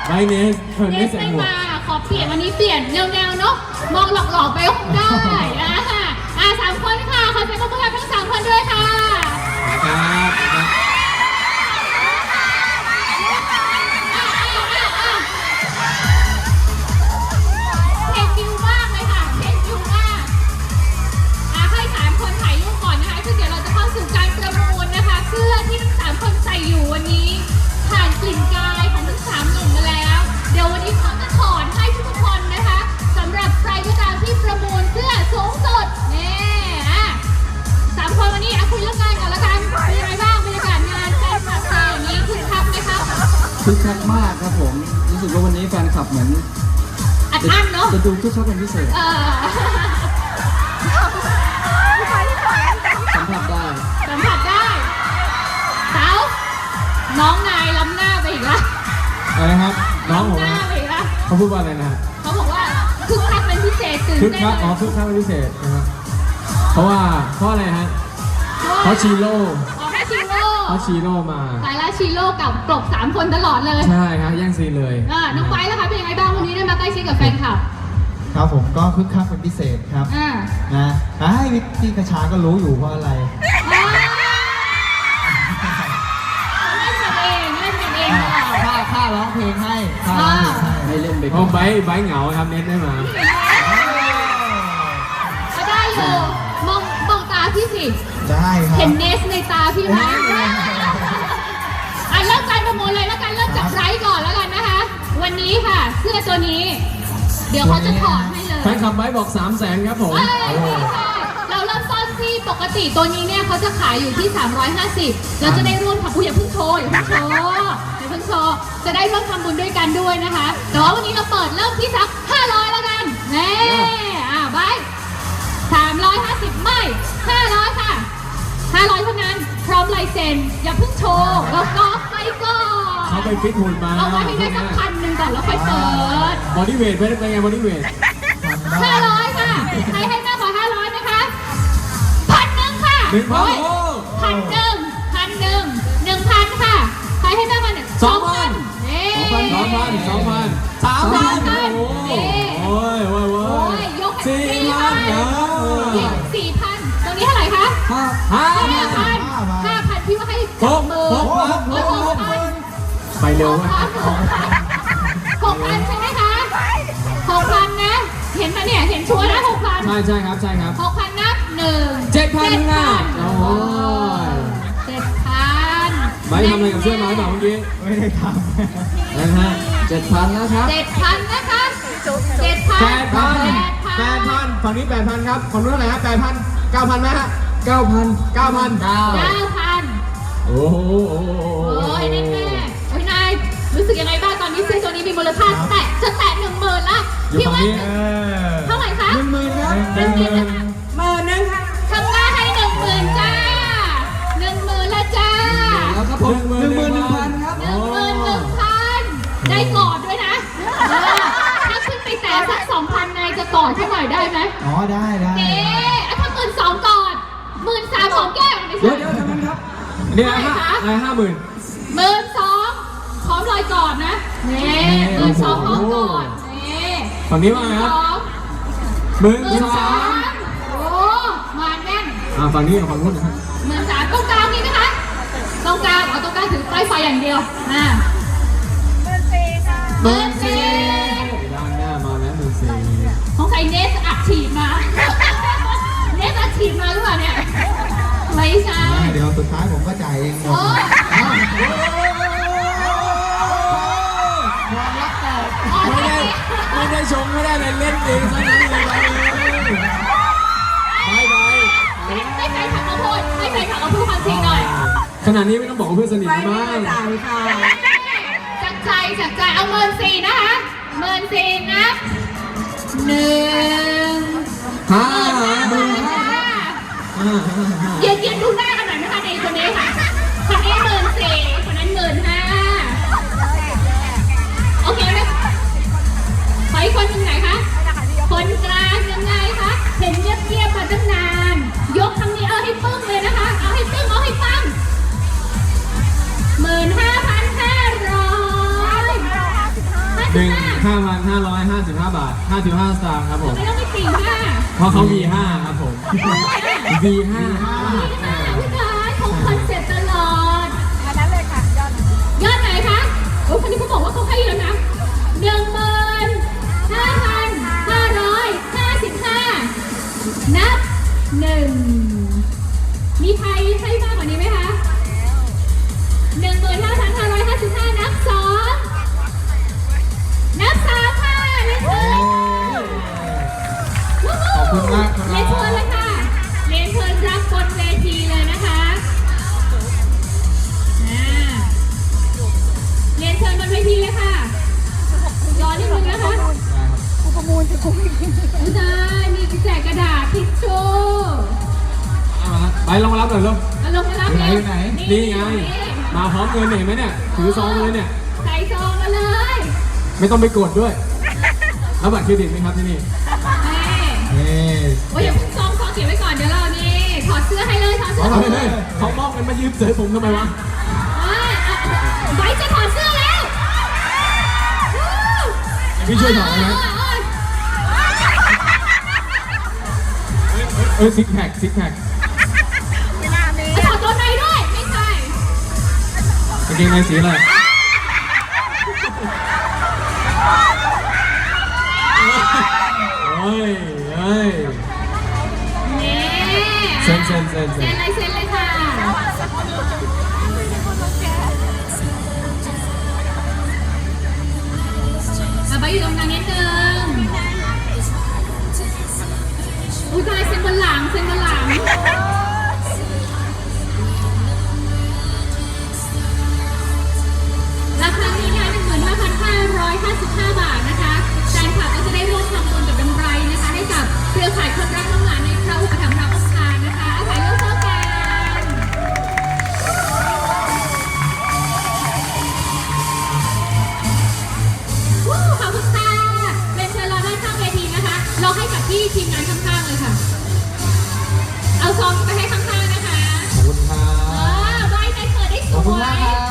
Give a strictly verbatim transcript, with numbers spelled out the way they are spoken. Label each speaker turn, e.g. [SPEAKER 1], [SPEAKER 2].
[SPEAKER 1] ไบเนสเธอ
[SPEAKER 2] เน
[SPEAKER 1] ไม่
[SPEAKER 2] ส
[SPEAKER 1] ใส่
[SPEAKER 2] ไม่
[SPEAKER 1] หมวก
[SPEAKER 2] มาขอเปลี่ยนวันนี้เปลี่ยนแนวๆเนาะมองหลอกๆไปคงได้อ่ะอ่ะสามคนค่ะขอเสียงปรบมือให้ทั้งสามคนด้วยค่ะ
[SPEAKER 1] ครับ
[SPEAKER 2] เทคนิวมากเลยค่ะเทคนิวมากอ่ะให้สามคนถ่ายรูปก่อนนะคะคือเดี๋ยวเราจะเข้าสู่การประมูลนะคะเสื้อที่ทั้งสามคนใส่อยู่วันนี้ผ่านกลิ่นกายของทั้งสามหนุ่มมาแล้วเดี๋ยววันนี้เขาจะถอดให้ทุกคนนะคะสำหรับใครก็ตามที่ประมูลเสื้อสูงสุดนี่อ่ะสามคนวันนี้อ่ะคุยเรื่องงานก่อนละกันเป็นยังไงบ้างบรรยากาศงานแฟนคลับเธออย่างนี้คึกคักไหมคะ
[SPEAKER 3] คึกคักมากครับผมรู้สึกว่าวันนี้แฟนคลับเหมือน
[SPEAKER 2] อัดอั้นเนาะ
[SPEAKER 3] จะดูคึกคักเป็นพิเศษ
[SPEAKER 2] เออ
[SPEAKER 3] สัมผัสได้
[SPEAKER 2] สัมผัสได้เต๋าน้องนายล้ำหน้าไปอีกละ
[SPEAKER 1] อะไรนะครับน้องผม
[SPEAKER 2] ล้ำหน้า
[SPEAKER 1] นะ
[SPEAKER 2] ไปอีกละ
[SPEAKER 1] เขาพูดว่าอะไรนะ
[SPEAKER 2] เขาบอกว่าคึกคักเป็นพิเศษตื่น
[SPEAKER 1] คึก
[SPEAKER 2] เต้น
[SPEAKER 1] คักอ๋อคึกคักเป็นพิเศษนะครับเพราะว่าเพราะอะไรฮะเพราะชีโร่
[SPEAKER 2] อ๋อแค่ชิโร่
[SPEAKER 1] เพราะชีโร่มา
[SPEAKER 2] สายละชิโร่กับกลบสามคนตลอดเลย
[SPEAKER 1] ใช่ครับแย่งซีนเลย
[SPEAKER 2] อ่าน้องไบร์ทล่ะคะเป็นยังไงบ้างวันนี้ได้มาใกล้ชิดกับแฟนคลับ
[SPEAKER 4] ครับผมก็คึกคักเป็นพิเศษครับ
[SPEAKER 2] อ่า
[SPEAKER 4] นะไอ้ยพี่กระชาก็รู้อยู่เพราะอะไร
[SPEAKER 2] อ่าเล่นกันเองเล่นกันเองเหรอ
[SPEAKER 4] ค่าค่าร้องเพลงให้ค่าร้องเพลงให้
[SPEAKER 3] ให้เล่นไป
[SPEAKER 1] เพราะไบร์ทไบร์ทเหงาครับเน็ตได้มา
[SPEAKER 2] ก็ได้อยู่มองมองตาพี่สิ
[SPEAKER 4] ได้ครับ
[SPEAKER 2] เห็นเนสในตาพี่ไหมอ่ะเริ่มการประมูลเลยแล้วกันเริ่มจากไบรท์ก่อนแล้วกันนะคะ วันนี้ค่ะ เสื้อตัวนี้ เดี๋ยวเขาจะถอดให้เลย
[SPEAKER 1] แฟนคลับไบร์ทบอกสามแสนครับผม
[SPEAKER 2] เอ้ยไม่ใช่เราเริ่มต้นที่ปกติตัวนี้เนี่ยเขาจะขายอยู่ที่ สามร้อยห้าสิบเราจะได้ร่วมทำบุญอย่าเพิ่งโชว์อย่าเพิ่งโชว์อย่าเพิ่งโชว์จะได้ร่วมทำบุญด้วยกันด้วยนะคะ แต่ว่าวันนี้เราเปิดเริ่มที่สักห้าร้อยแล้วกันแน่อ่ะไบรท์สามร้อยห้าสิบไม่ห้าร้อยค่ะ ห้าร้อยเท่านั้นพร้อมลายเซ็นอย่าเพิ่งโชว์แล้วก็ไปก่อน
[SPEAKER 1] เขาไปฟิตหุ่นมา
[SPEAKER 2] เอาไว้ให้ได้สักพันหนึ่งก่อนแล้วค่อยเปิด
[SPEAKER 1] บอดี้เวทเป็นไงบอดี้เวท
[SPEAKER 2] ห้าร้อยค่ะใครให้มากกว่าห้าร้อยนะคะพันหนึ่งค่ะ
[SPEAKER 1] หนึ่งพัน
[SPEAKER 2] โอ้ย
[SPEAKER 1] โอ้
[SPEAKER 2] พันหนึ่งพันหนึ่งหนึ่งพันค่ะใครให้มากกว่าหนึ่ง
[SPEAKER 1] สองพัน
[SPEAKER 2] นี่
[SPEAKER 1] สองพันสองพันสามพันโอ้โหโอ้ยโอ้ยโอ้
[SPEAKER 2] โอ้
[SPEAKER 1] ย
[SPEAKER 2] ยยก
[SPEAKER 1] สี่พัน
[SPEAKER 2] สี่พันตรงนี้เท่าไหร่คะ
[SPEAKER 1] ห้า
[SPEAKER 2] ห้า
[SPEAKER 1] ห้า
[SPEAKER 2] พันห้าพันพี่ว่าให้
[SPEAKER 1] ห
[SPEAKER 2] จับ
[SPEAKER 1] ก
[SPEAKER 2] มือ
[SPEAKER 1] หกพัน
[SPEAKER 2] หก
[SPEAKER 1] หกพัน
[SPEAKER 2] พัน
[SPEAKER 1] ไปเร็ว
[SPEAKER 2] หก
[SPEAKER 1] มาก
[SPEAKER 2] พันหกพันใช่ไหมคะหกพันนะ เห็นไหมเนี่ย เห็นชัวร์นะหกพัน
[SPEAKER 1] ใช่ใช่ครับใช่ครับ
[SPEAKER 2] หกพันนับหนึ่ง
[SPEAKER 1] เจ็ดพันนะ
[SPEAKER 2] โอ้
[SPEAKER 1] โอ้ย
[SPEAKER 2] เจ็ดพัน
[SPEAKER 1] ไบร์ททำอะไรกับเสื้อไม้เปล่าเมื่อกี้
[SPEAKER 4] ไม่ได้ท
[SPEAKER 1] นะฮะ
[SPEAKER 3] เจ็ดพันนะครับ
[SPEAKER 2] เจ็ดพันนะคะเจ็ดพัน
[SPEAKER 1] แปดพัน
[SPEAKER 2] แป
[SPEAKER 1] แป
[SPEAKER 2] ด
[SPEAKER 1] ด
[SPEAKER 2] พั
[SPEAKER 1] พั
[SPEAKER 2] น
[SPEAKER 1] นฝั่งนี้แปดพันครับฝั่งนู้นเท่าไหร่ฮะแปดพันเก้าพันไหมฮะ
[SPEAKER 3] เก้าพัน
[SPEAKER 1] เก้าพัน
[SPEAKER 3] เก้า
[SPEAKER 2] เก้าพัน
[SPEAKER 1] โอ้โหโอ้โห
[SPEAKER 2] โอ้ยแน่แน่โอ้ยนายรู้สึกยังไงบ้างตอนนี้เสื้อตัวนี้มีมูลค่าแตะจะแตะหนึ่งหมื่นละ
[SPEAKER 1] อยู่
[SPEAKER 2] พี่
[SPEAKER 1] ฝั่ง
[SPEAKER 2] ว่า
[SPEAKER 1] นี้
[SPEAKER 4] ำเออ
[SPEAKER 2] เท่าไหร่คะ
[SPEAKER 3] หนึ่งหมื่นครับ
[SPEAKER 1] หนึ่งหมื่น
[SPEAKER 2] หมื่นหนึ่งค่ะข้างหน้าให้หนึ่งหมื่นจ้าหนึ่งหมื่นละจ้า
[SPEAKER 3] แล้วครับผมหนึ่งหมื่นหนึ่งพันครับ
[SPEAKER 2] หนึ่งหมื่นหนึ่งพันได้กอดด้วยนะเออถ้าขึ้นไปแต่สักสองพันนายจะกอดเขาหน่อยได้ไหม
[SPEAKER 4] อ๋อได้ได้
[SPEAKER 2] เอ๊ะถ้าหมื่นสองกอดหมื่นสามของแก้วไม่
[SPEAKER 3] เดี๋ยว
[SPEAKER 2] ใช่
[SPEAKER 3] เดี๋ยวทำนั้นครับ
[SPEAKER 1] เนี่ยห้าอะไรห้าหมื่น
[SPEAKER 2] หมื่นสองพร้อมรอยกอดนะนี่หมื่นสองพร้อมกอดนี่
[SPEAKER 1] ฝั่งนี้ว่าไงครับ
[SPEAKER 2] สอง
[SPEAKER 1] หมื่น
[SPEAKER 2] หมื่น
[SPEAKER 1] ส
[SPEAKER 2] สา
[SPEAKER 1] าม
[SPEAKER 2] มโอ้มาแน่น
[SPEAKER 1] อ่าฝั่งนี้กับฝั่งนู้นนะครับ
[SPEAKER 2] หมื่นสามตรงกลางมีไหมคะตรงกลางเอาตรงกลางถือป้ายไฟอย่างเดียวอ่าหมื่นสี่ค่ะหมื่นสี่
[SPEAKER 1] ด้านหน้ามาแล้วหมื่นสี่
[SPEAKER 2] ของใครเนสอัดฉีดมา เนสอัดฉีดมาหรือเปล่าเนี่ยไม่ใช่
[SPEAKER 4] ได้เดี๋ยวสุดท้ายผมก็จ่ายเองหม
[SPEAKER 2] โอ้
[SPEAKER 4] ด
[SPEAKER 2] อ๋อ
[SPEAKER 1] ไม่ได้ไม่ได้ชงไม่ได้เลยเล่นเองซะนั้นเลยไปไป
[SPEAKER 2] ไม่ไม่ใครถักมาพูดไม่ใครถักมาพูดความจริงหน่อย
[SPEAKER 1] ขนาดนี้ไม่ต้องบอกว่าเพื่อนสนิทมาก
[SPEAKER 2] จากใจจากใจเอาเมินสี่นะคะเมินสี่นะหนึ่ง
[SPEAKER 1] ห้า
[SPEAKER 2] หมื่นห้าเย็นเย็นดูหน้ากันหน่อยนะคะในคนนี้ค่ะคนนี้หมื่นสี่คนนั้นหมื่นห้าโอเคไหมขออีกคนหนึ่งไหนคะคนกลางยังไงคะเห็นเงียบๆมาตั้งนานยกครั้งนี้เอาให้ปึ้งเลยนะคะเอาให้ปึ้งเอาให้ปังหมื่นห้าพันห้าร้อย
[SPEAKER 1] หนึ่งห้าพันห้าร้อยห้าสิบห้าบาทห้าสิบห้าสตางค์ครับผม
[SPEAKER 2] ไม่ต้องไปสี่ห้า
[SPEAKER 1] เพราะเขา วี ห้า ครับผม วี ห้า
[SPEAKER 2] พี่กายของคอนเซ็ปต์ตลอด
[SPEAKER 5] อันนั้นเลยค่ะยอด
[SPEAKER 2] ยอดไหนคะโอ้คนนี้เขาบอกว่าเขาให้เยอะนะหนึ่งหมื่นห้าพันห้าร้อยห้าสิบห้านับหนึ่งมีใครให้มากกว่านี้ไหมคะหนึ่งหมื่นห้าพันห้าร้อยห้าสิบห้านับสองนับสามค่ะเรียนเชิญ
[SPEAKER 4] ขอบคุณมากครับ
[SPEAKER 2] เรียนเชิญเลยค่ะเรียนเชิญรับบนเวทีเลยนะคะอ่าเรียนเชิญบนเวทีเลยค่ะรอนิดนึงนะคะ
[SPEAKER 5] กูประมูลจะคุ้มอีก
[SPEAKER 2] ไม่ได้มีแจกกระดาษทิชชู่
[SPEAKER 1] เอามาไปลองมารับหน่อยลูก
[SPEAKER 2] เอาลงมารับ
[SPEAKER 4] อยู่ไหน
[SPEAKER 2] เร็ว
[SPEAKER 4] อยู่ไหน
[SPEAKER 1] นี่ไง มาพร้อมเงินเห็นไหมเนี่ย ถือซองมาเลยเนี่ย
[SPEAKER 2] ใส่ซองมาเลย
[SPEAKER 1] ไม่ต้องไปกดด้วยรับบัตรเครดิตไหมครับที่นี่
[SPEAKER 2] เอ้
[SPEAKER 4] เฮ้ย
[SPEAKER 2] โอ้ยอย่าเพิ่งซองซองเก็บไว้ก่อนเดี๋ยวเรานี่ถอดเสื้อให้เลยถอดเสื้อ
[SPEAKER 1] เฮ้ยเฮ้ยเขามอบเงินมายืมเสยผมทำไมวะ
[SPEAKER 2] เอ้ยเอาไว้จะถอดเสื้อแล้ว
[SPEAKER 1] พี่ช่วยถอดนะ
[SPEAKER 2] เอ้ย
[SPEAKER 1] เอ้ยซิกแพคซิกแพค
[SPEAKER 5] ไม่น่ามี
[SPEAKER 2] เอ้ยถอดตัวในด้วยไม่ใช่
[SPEAKER 1] กางเกงในสีอะไรเฮ้ยเฮ้ย
[SPEAKER 2] นี่
[SPEAKER 1] เซ็นเซ็นเซ็นเซ็
[SPEAKER 2] เซ็
[SPEAKER 1] น
[SPEAKER 2] นเลยเซ็นเลยค่ะเอาไปอยู่ตรงนั้นนิดนึงอุ้ยตายเซ็นบนหลังเซ็นบนหลังราคานี้นะคะหนึ่งหมื่นห้าพันห้าร้อยห้าสิบห้าบาทนะคะแฟนคลับก็จะได้ร่วมทำบุญกับดำไรนะคะให้กับเครือข่ายคนรักน้องหมาในพระอุปถัมภ์พระองค์การนะคะอาศัยเรื่องเท่ากันวู้ขอบคุณค่ะเรียนเชิญรอด้านข้างเวทีนะคะรอให้กับที่ทีมงานข้างๆเลยค่ะ เอาซองไปให้ข้างๆนะคะ
[SPEAKER 1] ขอบคุณครั
[SPEAKER 2] เอบ อใบใจเกิดได้ส
[SPEAKER 4] ขอบคุณ
[SPEAKER 2] ว
[SPEAKER 4] มากค
[SPEAKER 2] ย
[SPEAKER 4] รับ